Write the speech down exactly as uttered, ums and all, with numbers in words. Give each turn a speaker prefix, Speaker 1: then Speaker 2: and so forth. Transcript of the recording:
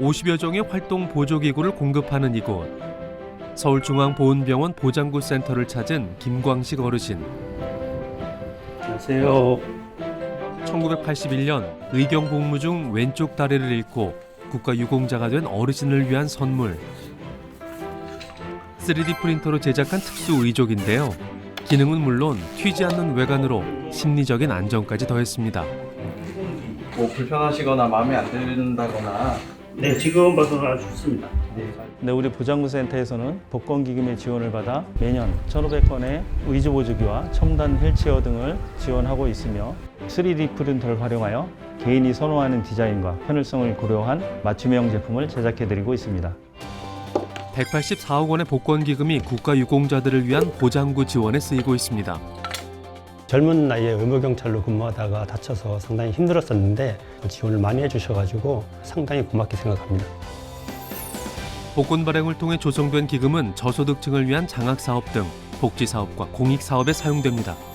Speaker 1: 오십여 종의 활동 보조기구를 공급하는 이곳. 서울중앙보훈병원 보장구센터를 찾은 김광식 어르신.
Speaker 2: 안녕하세요.
Speaker 1: 천구백팔십일 년 의경 복무 중 왼쪽 다리를 잃고 국가유공자가 된 어르신을 위한 선물. 쓰리디 프린터로 제작한 특수 의족인데요. 기능은 물론 튀지 않는 외관으로 심리적인 안정까지 더했습니다.
Speaker 3: 뭐 불편하시거나 마음에 안 든다거나.
Speaker 2: 네, 지금 봐서 아주 좋습니다.
Speaker 4: 네, 우리 보장구센터에서는 복권기금의 지원을 받아 매년 천오백 건의 의주보조기와 첨단 휠체어 등을 지원하고 있으며 쓰리디 프린터를 활용하여 개인이 선호하는 디자인과 편의성을 고려한 맞춤형 제품을 제작해드리고 있습니다.
Speaker 1: 백팔십사억 원의 복권기금이 국가유공자들을 위한 보장구 지원에 쓰이고 있습니다.
Speaker 5: 젊은 나이에 의무경찰로 근무하다가 다쳐서 상당히 힘들었었는데 지원을 많이 해주셔가지고 상당히 고맙게 생각합니다.
Speaker 1: 복권 발행을 통해 조성된 기금은 저소득층을 위한 장학사업 등 복지사업과 공익사업에 사용됩니다.